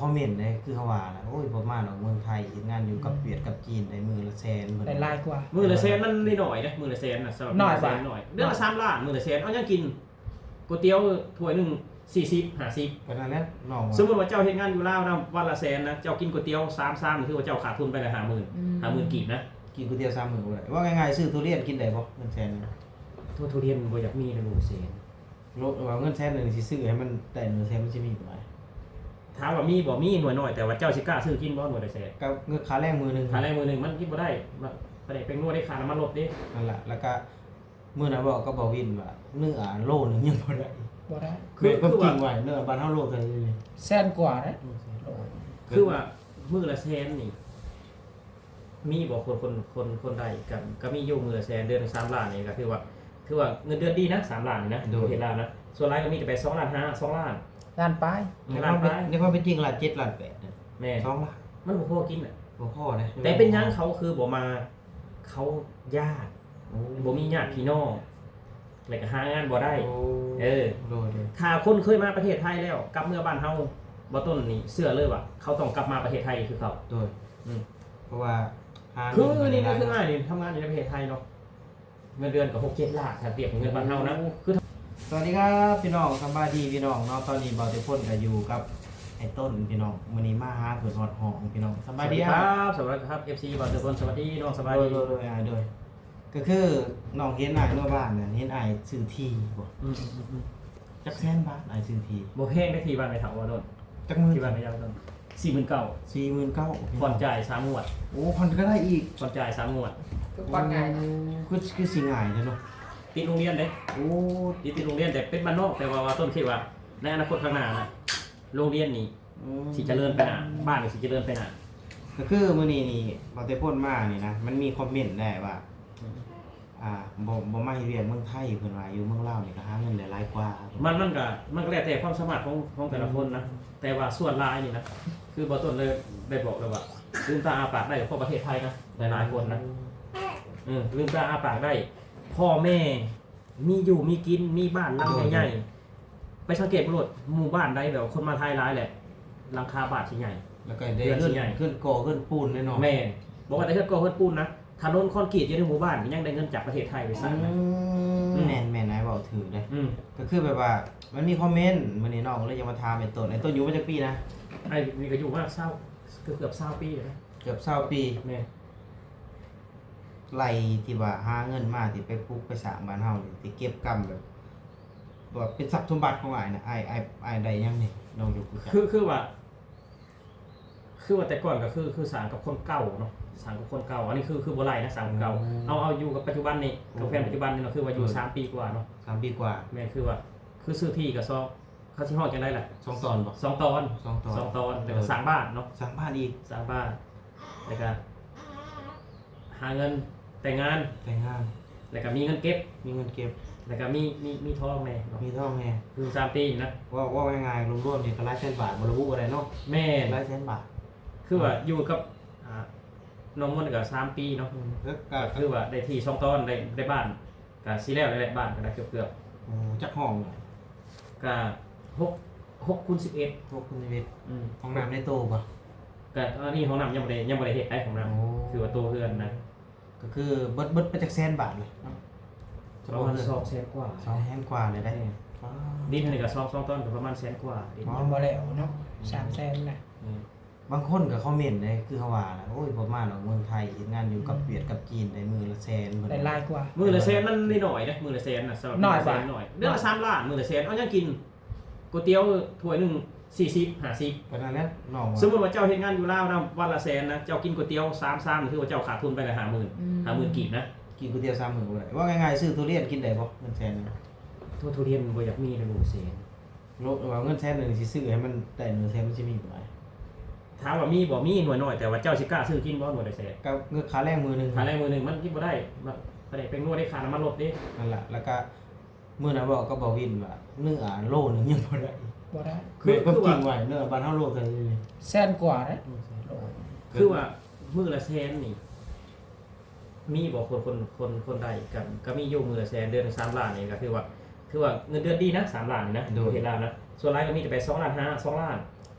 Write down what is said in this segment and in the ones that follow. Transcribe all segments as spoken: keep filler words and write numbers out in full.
คอมเมนต์ได้คือเขาว่าน่ะโอ้ยบ่มาดอกเมืองไทยเฮ็ดงานอยู่กับเวียดกับจีนได้มื้อละแสนเพิ่นได้หลายกว่ามือละแสนมันนิดหน่อยนะมือละแสนนะสำหรับน้อยมืละแสกว่าหน่อยเดือนละสามล้านมือละแสนเอายังกินก๋วยเตี๋ยวถ้วยหนึงสี่สิบห้าสิบก็นั่นแหละน้องว่าสมมติว่าเจ้าเฮ็ดงานอยู่ลาวนะวันละแสนนะเจ้ากินก๋วยเตี๋ยวสามชามนี่คือว่าเจ้าขาดทุนไปละห้าหมื่นห้าหมื่นกีบนะกินก๋วยเตี๋ยวสามมื้อบ่ได้ว่าง่ายๆซื้อทุเรียนกินได้บ่เงินแสนหนึงทั่วทุเรียนบ่อยากมีในหมู่แสนโลว่าเงินแสนหนึงสิซื้อให้มันได้เงินแสนมันสิมีบ่ได้ถามว่ามีบ่มีหน่วยน้อยแต่ว่าเจ้าสิกล้าซื้อกินบ่หน่วยละแสนก็เงินค่าแรงมื้อหนึงขาแรงมือหนึงมันกินบ่ได้บ่ได้เป็นนวดได้ค่าน้ำมันรถเด้นั่นล่ะแล้วก็มื้อนั้นบอกก็บ่วินว่าเนื้อโลนึงยังบ่ได้บ่ได้คือก็จริงไว้เนื้อบ้านเฮาโลเท่านี้แสนกว่าเด้โลคือว่ามือละแสนนี่มีบ่คนคนคนคนใดกันก็มีอยู่มือละแสนเดือนละสามล้านนี่ก็คือว่าคือว่าเงินเดือนดีนะสามล้านนี่นะโดยเห็นแล้วนะส่วนรายก็มีแต่ไปสองล้านห้าสองล้านล้านปลายในคล้าวาน มไปเป็นในความเป็นจริงล้านเจ็ดล้านแปดเนี่ยแม่สองล้านมันบ่พอกินอ่ะบ่พอนะแต่เป็นหยังเขาคือบ่มาเขาญาติโอ้บ่มีญาติพี่น้องแล้วก็หางานบ่ได้โอ้เออโลเดียวถ้าคนเคยมาประเทศไทยแล้วกลับเมื่อบ้านเฮาบ่ต้นนี่เชื่อเลยว่าเขาต้องกลับมาประเทศไทยคือเขาโดยอืมเพราะว่าหาคือเงินี่มานี่คือได้ง่ายนี่ทำงานอยู่ในประเทศไทยเนาะเงินเดือนก็หกเจ็ดล้านถ้าเทียบกับเงินบ้านเฮานะคือสวัสดีครับพี่น้องสบายดีพี่น้องเนาะตอนนี้เบาเตพ่นก็อยู่กับไอ้ต้นพี่น้องมื้อนี้มาหาเพิ่นฮอดห้องพี่น้องสบายดีครับสวัสดีครับ เอฟ ซี บอลทุกคนสวัสดีน้องสบายโดยดีโดยโดยอ่าโดยก็คือน้องเห็นอ้ายเมื่อบ้านน่ะเห็นอ้ายซื้อที่บ่อืมอืมอืมจักแสนบาทอ้ายซื้อที่บ่แพงได้ทีบ้านไปถามว่าโดนจักหมื่นที่บ้านไปยาวโดนสี่หมื่นเก้าสี่หมื่นเก้าพันผ่อนจ่ายสามงวดโอ้ผ่อนก็ได้อีกผ่อนจ่ายสามงวดทุกวันง่ายนะคือคือสิง่ายเด้อเนาะติดโรงเรียนเด้โอ้ติดติดโรงเรียนแต่เป็นบ้านนอกแต่ว่าว่าต้นคิดว่าในอนาคตข้างหน้านะโรงเรียนนี่อืมสิเจริญไปหน้าบ้านนี่สิเจริญไปหน้าก็คือมื้อนี้นี่เบาเตพ่นมานี่นะมันมีคอมเมนต์ได้ว่า อ่าบ่บ่มาเฮ็ดเวียกเมืองไทยเพิ่นว่าอยู่เมืองลาวนี่ก็หาเงินได้หลายกว่ามันมันก็มันก็แล้วแต่ความสามารถของของแต่ละคนนะแต่ว่าส่วนรายนี่นะคือบอต้นเลยได้บอกเลยว่าลืมตาอาปากได้เพราะประเทศไทยนะหลายๆคนนะเออลืมตาอาปากได้ พ่อแม่มีอยู่มีกินมีบ้านหลังใหญ่ๆไปสังเกตรถหมู่บ้านใดแบบคนมาไทยร้ายแหละหลังคาบ้านชิ้นใหญ่แล้วก็ได้เดือนขึ้นใหญ่ขึ้นก่อขึ้นปูนแน่นอนแม่บอกว่าแต่เพื่อนก็เพื่อนปูนนะถนนคอนกรีตอยู่ในหมู่บ้านยังได้เงินจากประเทศไทยไปสร้างนะอืมแม่นแม่นนายเว้าถือเลยอืมก็คือแบบว่ามันมีคอมเมนต์มื้อนี้น้องเลยจะมาถามไอ้ต้นไอ้ต้นอยู่มาจักปีนะไอ้มีก็อยู่มากเศร้าเกือบเกือบเศร้าปีเลยนะเกือบ20ปีแม่ไล่ที่ว่าหาเงินมาที่ไปปลูกไปสร้างบ้านเฮานี่ที่เก็บกำแบบว่าเป็นทรัพย์สมบัติของอ้ายน่ะอ้ายอ้ายอ้ายได้ยังนี่น้องอยู่กูจักคือคือว่า คือว่าแต่ก่อนก็คือคือสารกับคนเก่าเนาะสารกับคนเก่า อันนี้คือคือโบราณนะสารกับเก่าเอาเอาอยู่กับปัจจุบันนี่กับแฟนปัจจุบันนี่เนาะคือว่าอยู่สามปีกว่าเนาะสามปีกว่าแม่คือว่า คือซื้อที่กับซอกเขาที่ห้องจังได้แหละสองตอนบ่สองตอนสองตอนสองตอนแล้วก็สร้างบ้านเนาะสร้างบ้านอีกสร้างบ้านแล้วก็หาเงินแต่งงานแต่งงานแล้วก็มีเงินเก็บมีเงินเก็บแล้วก็มีมีมีทองแม่เนาะมีทองแน่คือสามปีนะว่าว่าง่ายๆรวมๆนี่ก็หลายแสนบาทบ่ระบุบ่ได้เนาะแม่หลายแสนบาทคือว่าอยู่กับอ่าน้องมันก็สามปีเนาะแล้วก็ก็คือว่าได้ที่สองตอนได้ได้บ้านก็ซีแล้วได้บ้านก็ได้เกือบเกือบโอ้จักห้องน่ะๆก็หกหกคูณสิบเอ็ดพวกคุณชีวิตอืมห้องน้ำในโตป่ะก็อันนี้ของน้ำยังไม่ได้ยังไม่ได้เฮ็ดได้ของน้โอ้ำคือว่าตัวเพื่อนนะก็คือเบิดเบิดไปจากแสนบาทเลยเนาะประมาณสองแสนกว่าสองแสนกว่าเลยได้ดินนี่ก็สองสองต้นก็ประมาณแสนกว่าดินยังบ่แล้วเนาะสามแสนนะอืมบางคนก็คอมเมนต์เลยคือเขาว่าน่ะโอ้ยบ่มาดอกเมืองไทยเฮ็ดงานอยู่กับเวียดกับจีนได้มือละแสนเพิ่นได้หลายกว่ามือละแสนมันนิดหน่อยนะมือละแสนนะสำหรับน้อยมืละแสกว่านหน่อยเดือนละสามล้านมือละแสนเอายังกินก๋วยเตี๋ยวถ้วยหนึ่งสี่สิบห้าสิบก็นั่นแหละน้องว่าสมมติว่าเจ้าเฮ็ดงานอยู่ลาวนะวันละแสนนะเจ้ากินก๋วยเตี๋ยวสามชามนี่คือว่าเจ้าขาดทุนไปละห้าหมื่นห้าหมื่นกีบนะกินก๋วยเตี๋ยวสามมื้อบ่ได้ว่าง่ายๆซื้อทุเรียนกินได้บ่เงินแสนหนึงทั่วทุเรียนบ่อยากมีในหมู่แสนโลว่าเงินแสนหนึงสิซื้อให้มันได้เงินแสนมันสิมีบ่ได้ถามว่ามีบ่มีหน่วยน้อยแต่ว่าเจ้าสิกล้าซื้อกินบ่หน่วยละแสนก็เงินค่าแรงมื้อหนึงค่าแรงมือหนึงมันกินบ่ได้มันบ่ได้เป็นนวดได้ค่าน้ำมันรถเด้นั่นล่ะแล้วก็มื้อนั้นบอกก็บ่วินว่าเนื้อโลนึงยังบ่ได้บ่ได้คือก็จริงไว้เนื้อบ้านเฮาโลเท่านี้แสนกว่าเด้โลคือว่ามือละแสนนี่มีบ่คนคนคนคนใดกันก็มีอยู่มือละแสนเดือนละสามล้านนี่ก็คือว่าคือว่าเงินเดือนดีนะสามล้านนี่นะดูเห็นแล้วนะส่วนรายก็มีแต่ไปสองล้านห้าสองล้าน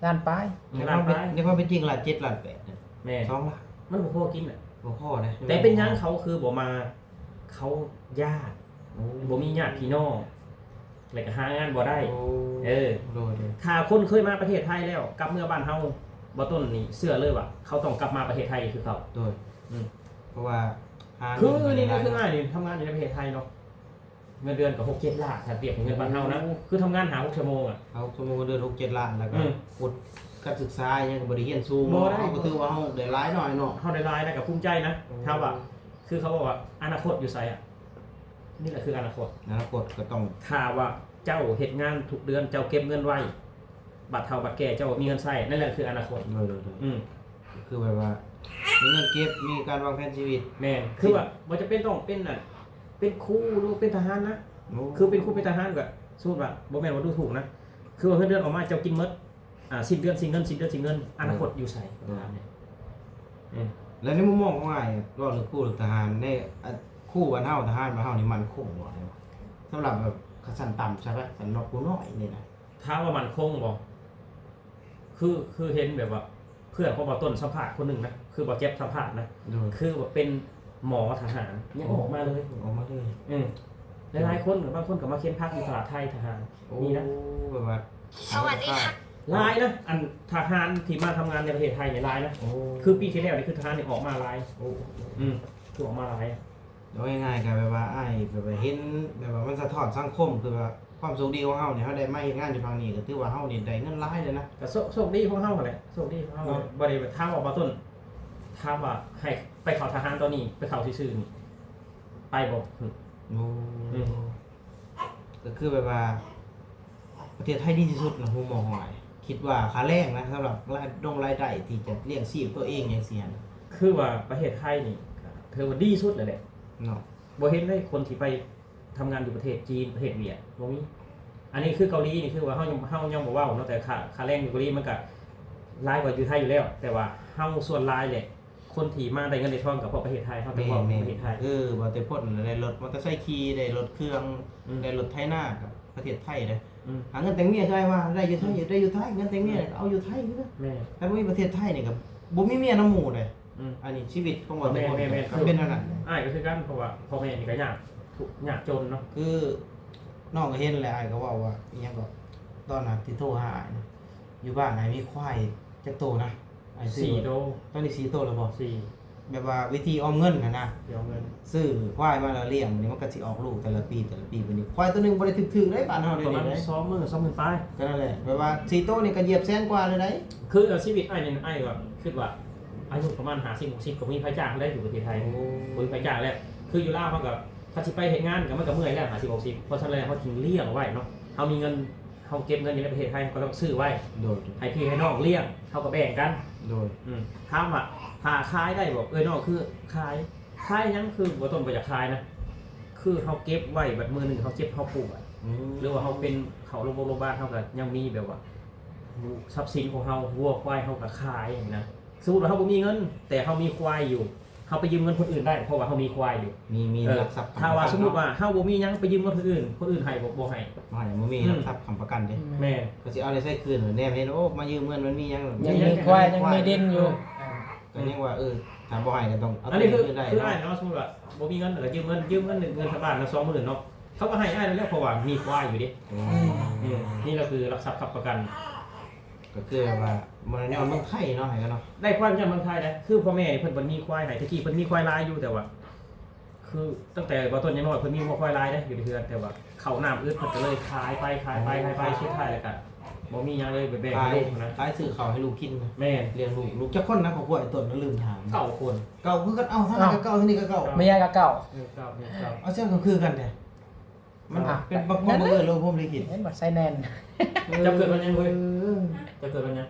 ล้านปลายในคล้าวาน มไปเป็นในความเป็นจริงล้านเจ็ดล้านแปดเนี่ยแม่สองล้านมันบ่พอกินอ่ะบ่พอนะแต่เป็นหยังเขาคือบ่มาเขาญาติโอ้บ่มีญาติพี่น้องแล้วก็หางานบ่ได้โอ้เออโดยโดยถ้าคนเคยมาประเทศไทยแล้วกลับเมื่อบ้านเฮาบ่ต้นนี่เชื่อเลยว่าเขาต้องกลับมาประเทศไทยคือเขาโดยอืมเพราะว่าหาคือเงินี่มาก็คือได้ง่ายนี่ทำงานอยู่ในประเทศไทยเนาะเงินเดือนก็หกเจ็ดล้านถ้าเทียบกับเงินบ้านเฮานะคือทำงานหาหกชั่วโมงอ่ะเอาสมมุติว่าเดือนหกเจ็ดล้านแล้วก็อืมกดการศึกษายังก็บ่ได้เรียนสูงบ่ได้เนาะก็ถือว่าเฮาได้หลายหน่อยเนาะเฮาได้รายได้กับภูมิใจนะโอ้ถ้าว่าคือเขาบอกว่าอนาคตอยู่ไสอ่ะนี่แหละคืออนาคตอนาคตก็ต้องถ้าว่าเจ้าเฮ็ดงานทุกเดือนเจ้าเก็บเงินไว้บัตรเฒ่าบัตรแก่เจ้ามีเงินใช้นั่นแหละคืออนาคตโดยโดยโดยอืมคือแบบว่ามีเงินเก็บมีการวางแผนชีวิตแม่นคือว่าบ่จะเป็นต้องเป็นน่ะเป็นครูหรือเป็นทหารนะโอ้คือเป็นครูเป็นทหารก็สมมุติว่าบ่แม่นว่าดูถูกนะ คือว่าเงินเดือนออกมาเจ้ากินหมดอ่าสิ้นเดือนสิ้นเงินสิ้นเดือนสิ้นเงินอนาคตอยู่ไสก็ถามเนี่ยอืมแล้วในมุมมองของอ้ายเนี่ยว่าเรื่องคู่หรือทหารในอ่ะคู่บ้านเฮาทหารบ้านเฮานี่มันคงบ่ได้วะสำหรับแบบขั้นต่ำใช่ปะสันนอกผู้น้อยนี่นะถ้าว่ามันคงบ่คือคือเห็นแบบว่า เพื่อนของบ่ต้นสัมภาษณ์คนหนึงนะคือบ่เจ็บสัมภาษณ์นะโดยคือว่าเป็นหมอทหารยังออกมาเลยออกมาเลยอืมหลายๆคนกับบางคนก็มาเค้นพักอยู่ตลาดไทยทหารโอ้นี่นะแบบว่าสวัสดีค่ะหลายนะอันทหารที่มาทำงานในประเทศไทยเนี่ยหลายนะโอ้คือปีที่แล้วนี่คือทหารเนี่ยออกมาหลายโอ้อืมคือออกมาหลายอะเอาง่ายๆกันแบบว่าอ้ายแบบว่าเห็นแบบว่ามันสะท้อนสังคมคือว่าความโชคดีของเฮาเนี่ยเฮาได้มาเฮ็ดงานอยู่ทางนี้ก็ถือว่าเฮานี่ได้เงินหลายเลยนะก็โชคโชคดีของเฮาแหละโชคดีของเฮาเนาะบ่ได้ถามออกมาต้นถามว่าให้ไปเข้าทหารตอนนี้ไปเข้าซื่อๆนี่ไปบ่อืมโอ้อืมก็คือแบบว่า ประเทศไทยดีที่สุดนะผมมองว่าคิดว่าค่าแรงนะสำหรับรายดงรายได้ที่จะเลี้ยงชีพตัวเองอย่างเสียนะคือว่าประเทศไทยนี่ก็ถือว่าดีสุดเลยแหละเนาะบ่เห็นได้คนที่ไปทำงานอยู่ประเทศจีนประเทศเวียดบ่มีอันนี้คือเกาหลีนี่คือว่าเฮายังเฮายังบ่เว้าเนาะแต่ค่าค่าแรงอยู่เกาหลีมันก็หลายกว่าอยู่ไทยอยู่แล้ว แต่ว่าเฮาส่วนหลายแหละคนที่มาได้เงินได้ทองกับพวกประเทศไทยเฮาต้องแม่เว้าแม่ประเทศไทยเออว่าแต่พ่นได้รถมอเตอร์ไซค์ขี่ได้รถเครื่องอืมได้รถไถนากับประเทศไทยเลยอืมหาเงินแต่งเมียใช่ว่าได้อยู่ไทยได้อยู่ไทยเงินแต่งเมียเอาอยู่ไทยคือแม่ถ้าบ่มีประเทศไทยนี่ก็บ่มีเมียน้ำหมู่เลยอืมอันนี้ชีวิตของบ่แต่พ่นแม่แม่แม่ก็เป็นเท่านั้นอ้ายก็คือกันเพราะว่าพ่อแม่นี่ก็ยากทุกข์ยากจนเนาะคือน้องก็เห็นแหละอ้ายก็เว้าว่าอีหยังก็ตอนนั้นที่โทรหาอ้ายนะอยู่บ้านอ้ายมีควายจักโตนะอ้ายซื้อสี่โตตอนนี้สี่โตแล้วบ่สี่แบบว่าวิธีออมเงินนะนะเดี๋ยวเงินซื้อควายมาแล้วเลี้ยงมันนี้มันก็สิออกลูกแต่ละปีแต่ละปีบัดนี้ควายตัวหนึงบ่ได้ถึกๆเลยบ้านเฮาตเดี๋ยอวน นี้นั้นเลยสองหมื่นสองหมื่นปลายก็นั่นแหละแบบว่าสี่โตนี่ก็เหยียบแสนกว่าเลยได้คือเอาชีวิตอ้ายนี่อ้ายก็คิดว่าอายุประมาณห้าสิบ หกสิบก็มีไผจ้างแล้วอยู่ประเทศไทย บริไปจ้างแล้วคืออยู่ล่าวเขากับถ้าสิไปเห็นงานกับมันก็เมื่อยแล้วหาสิบหกสิบเพราะฉะนั้นแล้วเขาถึงเลี้ยงไว้เนาะเขามีเงินเขาเก็บเงินอยู่ในประเทศไทยเขาก็ต้องซื้อไว้โดยให้พี่ให้น้องเลี้ยงเขาก็แบ่งกันโดยอืมถามว่าถ้าขายได้บอกเอ้ยน้องคือขายขายหยังคือบ่ต้นบ่อยากขายนะคือเขาเก็บไว้แบบมือหนึ่งเขาเก็บเขาปลูกอะอืมหรือว่าเขาเป็นเขาโรงพยาบาลเขาก็ยังมีแบบว่าทรัพย์สินของเขาวัวควายเขาก็ขายอย่างนี้นะสมมติว่าเขาบ่มีเงิน แต่เขามีควายอยู่เขาไปยืมเงินคนอื่นได้เพราะว่าเขามีควายอยู่มีมีเออหลักทรัพย์ถ้าว่าสมมติว่าเฮาบ่มีหยังไปยืมเงินคนอื่น คนอื่นให้บ่บ่ให้ว่าอย่างบ่มีหลักทรัพย์ค้ำประกันเด้แม่นก็สิเอาได้ใช้คืนเหรอแน่เห็นโอ้มายืมเงินมันมีหยังยังมีควายยังมีดินอยู่ก็ยังว่าเออถ้าบ่ให้ก็ต้องเอาอันนี้คือคืนได้คืออ้ายเนาะเนาะสมมุติว่าบ่มีเงินแล้วยืมเงินยืมเงินเงินชาวบ้านละสองหมื่นเนาะเขาก็ให้อ้ายแล้วเพราะว่ามีควายอยู่ดิอือืมมนี่ก็คือหลักทรัพย์ค้ำประกันก็คือแบบว่ามันย้อนเมืองไทยเนาะให้กันเนาะได้ควายจากเมืองไทยนะคือพ่อแม่นี่เพิ่นบ่มีควายให้ตะกี้เพิ่นมีควายลายอยู่แต่ว่า คือตั้งแต่บ่ต้นยังน้อยเพิ่นมีควายลายนะอยู่ในเรือนแต่ว่าเข้าน้ำอึดเพิ่นก็เลยขายไปขายไปขายไปสุดท้ายแล้วก็บ่มีหยังเลยไปแบ่งขายให้ลูกนะขายซื้อข้าวให้ลูกกินนะแม่นเลี้ยงลูกลูกจักคนนะของพวกไอ้ต้นนั้นลืมถามเก้าคนเก่าคือกันเอาเท่านั้นก็เก่าเท่านี้ก็เก่าไม่ยากกับเก่าเออเก้าเนี่ยเก้าเอาเส้นก็คือกันแท้มันอ่ะเป็นบักบักเออโลภมลิขิตเห็นบ่ใส่แนนจะเกิดวันยังเว้ยออจะเกิดวันยัง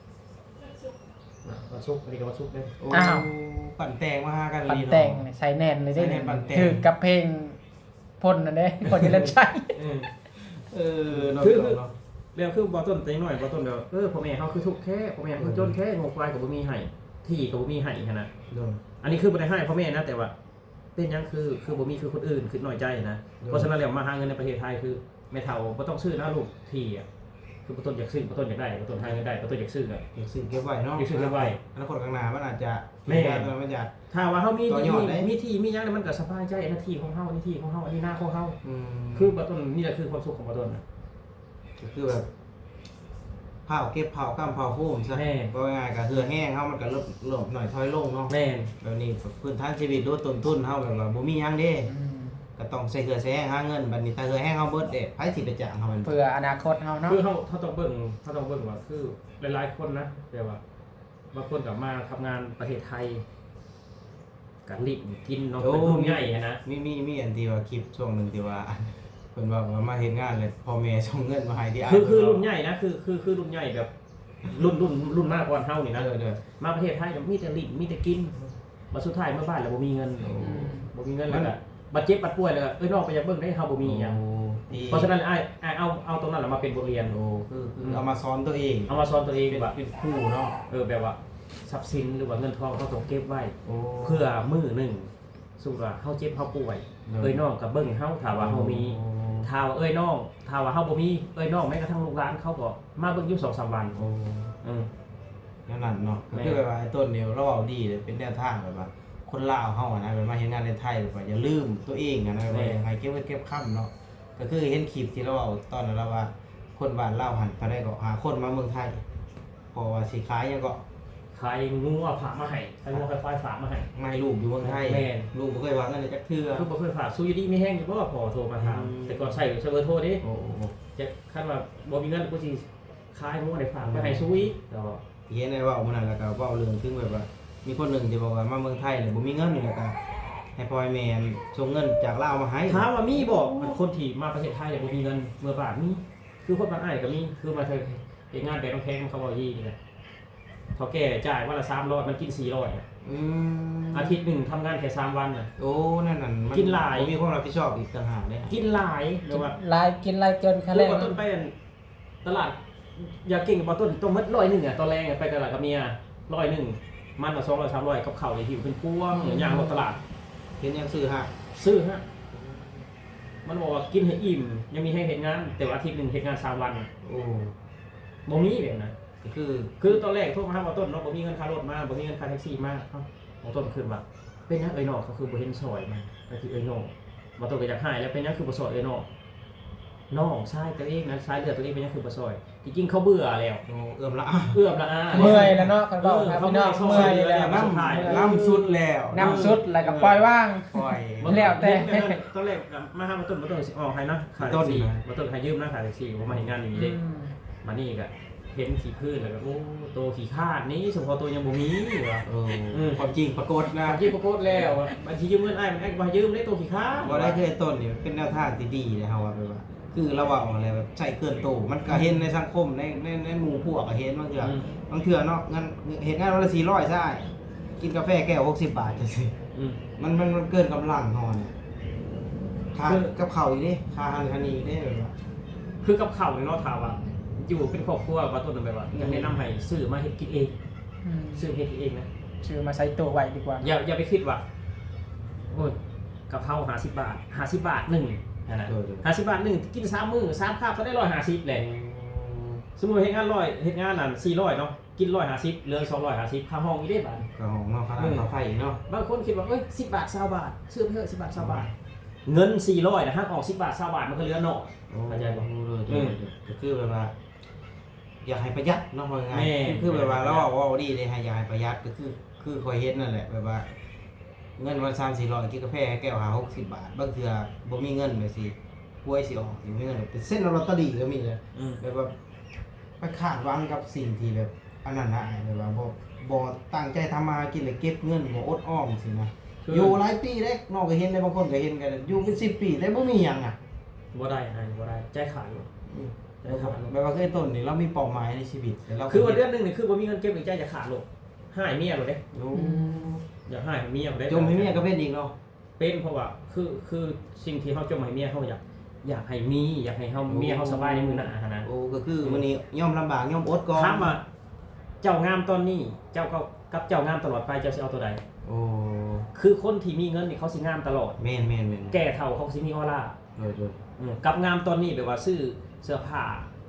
วันศุกร์อันนี้ก็วันศุกร์เลยโอ้อ้าวปั่นแตงมาหากันปั่นลีเนาะแต่งนี่ใส่แนนเลยใส่แน่นปั่นแต่งถือกับเพลงพ่นนั่นเด้คนที่เล่นใช้เออเออเนาะคือเนาะเรื่องคือบอต้นแต่น้อยบอต้นเดียวเออพ่อแม่เขาคือทุกข์แค่พ่อแม่คือจนแค่งกควายกับบุมีไห้ที่กับบุมีไห้ขนาดเนาะอันนี้คือบ่ได้ให้พ่อแม่นะแต่ว่า เป็นหยังคือคือบุมีคือคนอื่นคือน้อยใจนะเพราะฉะนั้นแล้วมาหาเงินในประเทศไทยคือแม่เฒ่าบ่ต้องซื้อนะลูกที่อ่ะคือบ่ต้นอยากซื้อบ่ต้นอยากได้บ่ต้นหาเงินได้บ่ต้นอยากซื้อก็อยากซื้อเก็บไว้เนาะอยากซื้อเก็บไว้อนาคตข้างหน้ามันอาจจะแม่มันจะถ้าว่าเฮามีต่อยอดได้มีที่มีหยังแล้วมันก็สบายใจอันนั้นที่ของเฮาอันนี้ที่ของเฮาอันนี้หน้าของเฮาอืมคือบ่ต้นนี่แหละคือความสุขของบ่ต้นน่ะก็คือแบบเผาเก็บเผากำเผาโฮมซะแม่ก็ง่ายๆก็เหือแห้งเฮามันก็ลดลดหน่อยถอยลงเนาะแม่นแบบนี้พื้นฐานชีวิตลดต้นทุนเฮาแบบว่าบ่มีหยังเด้อืมก็ต้องใส่เหือใส่แห้งหาเงินบัดนี้ถ้าเหือแห้งเฮาเบิดเด้ไผสิไปจ้างเฮามันเพื่ออนาคตเฮาเนาะคือเฮาเฮาต้องเบิ่งเฮาต้องเบิ่งว่าคือหลายๆคนนะแต่ว่าบางคนก็มาทำงานประเทศไทยก็รีบกินเนาะเป็นรุ่นใหญ่อะนะมีมีมีอันที่ว่าคลิปช่วงหนึงที่ว่าเพิ่นว่าว่ามาเฮ็ดงานเลยพ่อแม่ส่งเงินมาให้ที่อ้ายคือคือเพิ่รุ่นเาใหญ่นะคือคือคือรุ่นใหญ่แบบรุ่นรุ่นรุ่นมากกว่าเฮานี่นะเออเด้อมาประเทศไทยก็มีแต่ลิ้นมีแต่กินมาสุดท้ายเมื่อบ้านแล้วบ่มีเงินโอ้บ่มีเงินแล้วก็บาดเจ็บบัดป่วยแล้วก็เอ้ยนอกไปอยากเบิ่งได้เฮาบ่มีหยังที่เพราะฉะนั้นอ้ายอ้ายเอาเอาตรงนั้นแหละมาเป็นบทเรียนโอ้คือคือเอามาสอนตัวเองเอามาสอนตัวเองเป็นว่าเป็นครูเนาะเออแบบว่าทรัพย์สินหรือว่าเงินทองเราต้องเก็บไว้โอ้เพื่อมื้อหนึงสู้ว่าเฮาเจ็บเฮาป่วยเออเอ้ยน้องก็เบิ่งเฮาถ้าว่าเฮามีถ้าว่าเอ้ยน้องถ้าว่าเฮาบ่มีเอ้ยน้องแม้กระทั่งลูกหลานเขาก็มาเบิ่งอยู่ สองสาม วันโอ้อือนั่นนั่นเนาะก็แม่คือแบบว่าไอ้ต้นเนี่ยเราเอาดีเลยเป็นแนวทางแบบว่าคนลาวเฮาอะนะแบบมาเฮ็ดงานในไทยแบบว่าอย่าลืมตัวเองอะนะแบบว่าให้เก็บไว้เก็บค่ำเนาะก็คือเห็นคลิปที่เราเอาตอนนั้นเราว่า คนบ้านลาวหันไปได้ก็หาคนมาเมืองไทยเพราะว่าสิขายหยังก็ใครงูเอาฝากมาให้ใครงูใครควายฝากมาให้ไม่ลูกอยู่เมืองไทยแม่นลูกบ่เคยวางเงินเลยจักเทื่อคือบ่เคยฝากสู้อยู่ดีมีแห้งอยู่บ่พอโทรมาถามอืมแต่ก่อนใช้ใช้เบอร์โทรดิโอ้โหจะคันว่าบ่มีเงินกูสิขายงูได้ฝากไปให้สู้อีกก็ที่เห็นได้เว่ามื้อนั้นแล้วก็เว้าเรื่องถึงแบบว่า มีคนหนึงที่บอกว่ามาเมืองไทยแล้วบ่มีเงินนี่แล้วก็ให้พ่อให้แม่ส่งเงินจากลาวมาให้ถามว่ามีบ่มันคนที่มาประเทศไทยแล้วบ่มีเงินเมื่อบาทมีคือคนบ้านอ้ายก็มีคือมาเฮ็ดเฮ็ดงานแต่ต้องแพงเขาบ่ยี่นี่แหละเฒ่าแก่จ่ายวันละสามร้อยมันกินสี่ร้อยอืมอาทิตย์หนึงทำงานแค่สามวันน่ะโอ้นั่นนั่นมักินหลายมีความรับผิดชอบอีกต่างหากเด้กินหลายเรียกว่าลายกินลายเกินค่าคืแรอง ว่าต้นไปตลาดอยากเก่งกับต้นต้องมัดร้อยหนึงอ่ะตอนแรกอะไปตลาดกับเมียร้อยหนึงมันละสองร้อยสามร้อยกับข้าวนี่หิวเป็นพวงอย่างรถตลาดเห็นยังซื้อฮะซื้อฮะ มันบอกว่ากินให้อิ่ม ยังมีให้เห็นงาน แต่ว่าอาทิตย์หนึ่งเห็นงานสามวันโอ้บ่มีแบบนั้นก็คือคือตอนแรกโทรมาหาว่าต้นเนาะบ่มีเงินค่ารถมาบ่มีเงินค่าแท็กซี่มาเอ้าของต้นขึ้นว่าเป็นหยังเอ้ยน้องเขาคือบ่เห็นซอยมันก็คือเอ้ยน้องบ่ต้นก็อยากหายแล้วเป็นหยังคือบ่ซอยเอ้ยน้องน้องชายตัวเองนะชายเลือดตัวเองเป็นหยังคือบ่ซอยจริงๆเขาเบื่อแล้วโอ้เอื้อมละเอื้อมละอาเมื่อยแล้วเนาะกันบอกครับพี่น้องเมื่อยแล้วน้ำน้ำสุดแล้วน้ำสุดแล้วก็ปล่อยว่างปล่อยแล้วแต่ตอนแรกมาหาบ่ต้นบ่ต้นสิออกให้นะค่าแท็กซี่บ่ต้นให้ยืมนะค่าแท็กซี่บ่มาเห็นงานอย่างนี้เด้ มานี่ก็เห็นขี้พืชแล้วก็โอ้โตขี้คาดนี้สมพอตัวยังบ่มีว่ะเออความจริงปรากฏนะบางทีปรากฏแล้วอะบางทียืมเงินอ้ายมันอ้ายก็บ่ให้ยืมได้โตขี้คาดบ่ได้คือไอ้ต้นนี่เป็นแนวทางที่ดีเลยเฮาว่าแบบว่า คือเราเว้าอะไรแบบใช้เกินโตมันก็เห็นในสังคมในในในหมู่พวกก็เห็นบางเทื่ออืมบางเทื่อเนาะงั้นเฮ็ดงานวันละสี่ร้อยใช่กินกาแฟแก้วหกสิบบาทจังซี่อืมมันมันมันเกินกำลังเฮาเนี่ยค่ากับข้าวอีกเด้ค่าอาหารคันนี้อีกเด้แบบว่าคือกับข้าวนี่เนาะถามว่าอยู่เป็นครอบครัวว่าต้นแบบว่าอยากแนะนำให้ซื้อมาเฮ็ดกินเองอืมซื้อเฮ็ดกินเองนะชื่อมาใส่ตัวไว้ดีกว่าอย่าอย่าไปคิดว่าโอ้ยกะเพราห้าสิบบาทห้าสิบบาทหนึ่งนั่นน่ะเออเออห้าสิบบาทหนึ่งกินสามมื้อสามคาบก็ได้หนึ่งร้อยห้าสิบแหละ สมมุติเฮ็ดงานร้อยเฮ็ดงานนั่นสี่ร้อยเนาะกินหนึ่งร้อยห้าสิบเหลือสองร้อยห้าสิบค่าห้องอีกได้บาทก็ของเนาะค่าน้ำค่าไฟอีกเนาะบางคนคิดว่าเอ้ยสิบบาท20บาทซื้อไปเถอะสิบบาท20บาท เงินสี่ร้อยนะฮะออกสิบบาท20บาทมันก็เหลือเนาะ เข้าใจบ่เลยอืมก็คือแบบว่า อยากให้ประหยัดเนาะว่าไงแม่คือแบบว่าเราเว้าเว้าดีเลยให้อยากให้ประหยัดก็คือ คือคอยเฮ็ดนั่นแหละแบบว่า เงินวันสามสี่ร้อยกินกาแฟแก้วหาหกสิบบาทบางเทื่อบ่มีเงินแบบสิป่วยสิออกสิมีเงินเป็นเส้นลอตเตอรี่ก็มีเลยอืมแบบว่าไปคาดหวังกับสิ่งที่แบบอันนั้นนะแบบว่าบ่บ่ตั้งใจทำมาหากินเลยเก็บเงินบ่อดออมสินะคืออยู่หลายปีเด้นอกก็เห็นได้บางคนก็เห็นกันอยู่เป็นสิบปีแต่บ่มีหยังอ่ะบ่ได้อันบ่ได้ใจขาดอยู่อืมใจขาดแบบว่าเคยต้นนี่เรามีเป้าหมายในชีวิตแต่เราคือว่าเดือนหนึงนี่คือบ่มีเงินเก็บหรือใจจะขาดโลกหายเมียโลดเด้โอ้อยากหายเมียบ่ได้จมให้เมียก็เป็นอีกเนาะเป็นเพราะว่าคือคือสิ่งที่เฮาจมให้เมียเฮาอยากอยากให้มีอยากให้เฮาเมียเฮาสบายในมื้อหน้าหันนะโอ้ก็คือมื้อนี้ยอมลำบากยอมอดก่อนถามว่าเจ้างามตอนนี้เจ้าก็กับเจ้างามตลอดไปเจ้าสิเอาตัวใดโอ้คือคนที่มีเงินนี่เขาสิงามตลอดแม่นแม่นแม่นแก่เฒ่าเขาสิมีออร่าเออเอออืมกับงามตอนนี้แบบว่าซื้อเสื้อผ้า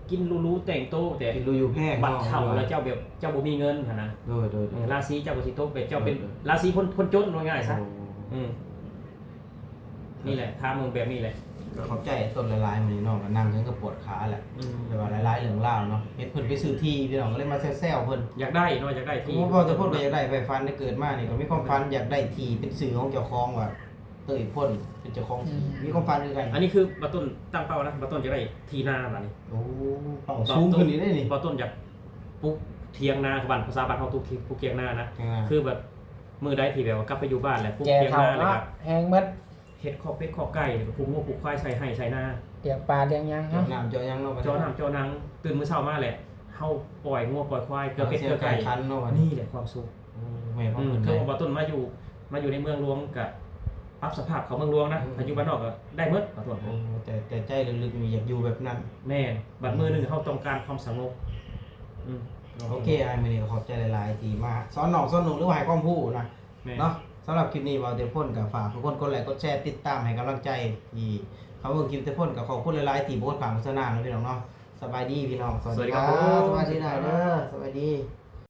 กินรู้ๆแต่งโตแต่กินรูอยู่แพงบัตรเฒ่าแล้วเจ้าแบบเจ้าบ่มีเงินหั่นนะโดยโดยเออราศีเจ้าก็สิตกเป็นเจ้าเป็นราศีคนคนจนว่าง่ายซะอืมนี่แหละถามมึงแบบนี้แหละก็เข้าใจต้นหลายๆมื้อนี้น้องก็นั่งถึงก็ปวดขาแหละอืมแต่ว่าหลายๆเรื่องราวเนาะเฮ็ดเพิ่นไปซื้อที่พี่น้องก็เลยมาแซวๆเพิ่นอยากได้เนาะอยากได้ที่ที่พ่อจะพูดก็อยากได้ไฟฟันได้เกิดมานี่ก็มีความฝันอยากได้ที่เป็นสื่อของเจ้าของว่าเตยพ่นเป็นเจ้าของที่มีความฝันคือกันอันนี้คือบัตต้นตั้งเป้านะบัตต้นจะได้ทีนาบัดนี้โอ้เป่าสูงขึ้นนี่ได้นี่บัตต้นอยากปลูกเทียงนาคือบ้านภาษาบ้านเฮาปลูกเทียงปลูกเทียงนานะอ่าคือแบบมือใดที่แบบว่ากลับไปอยู่บ้านแหละปลูกแก่เทียงเฒ่านาเลยเนาะครับแหงหมัดเฮ็ดคอกเป็ดคอกไก่ปลูกงัวปลูกควายใส่ให้ใส่นาเลี้ยงปลาเลี้ยงหยังเจาะเนาะน้ำเจาะยังเนาะจอน้ำจอนังตื่นมื้อเช้ามาแหละเฮาปล่อยงัวปล่อยควายเกลือเป็ดเกลือไก่คันเนาะนี่แหละความสุขแม่พ่ออืมเพิ่นคืเลอย บัตต้นมาอยู่มาอยู่ในเมืองหลวงกับปรับสภาพเขาเมืองหลวงนะอืมอายุบ้านนอกก็ได้หมดบัตต้นโอ้แต่แต่ใจลึกๆมีอยากอยู่แบบนั้นแม่นบัดมือหนึงเฮาต้องการความสงบอืมโอเคไอ้มื้อนี้ก็ขอบใจหลายๆที่มาสอนน้องสอนหนูหรือว่าให้ความรู้นะแม่นเนาะสำหรับคลิปนี้บ่าวเตพ่นกับฝากทุกคนกดไลค์กดแชร์ติดตามให้กำลังใจที่เขาเบิ่งคลิปเตพ่นกับขอบคุณหลายๆที่โพสต์ผ่านโฆษณาเนาะพี่น้องเนาะสบายดีพี่น้องสวัสดีครับสบายดีหน่อยเด้อสบายดี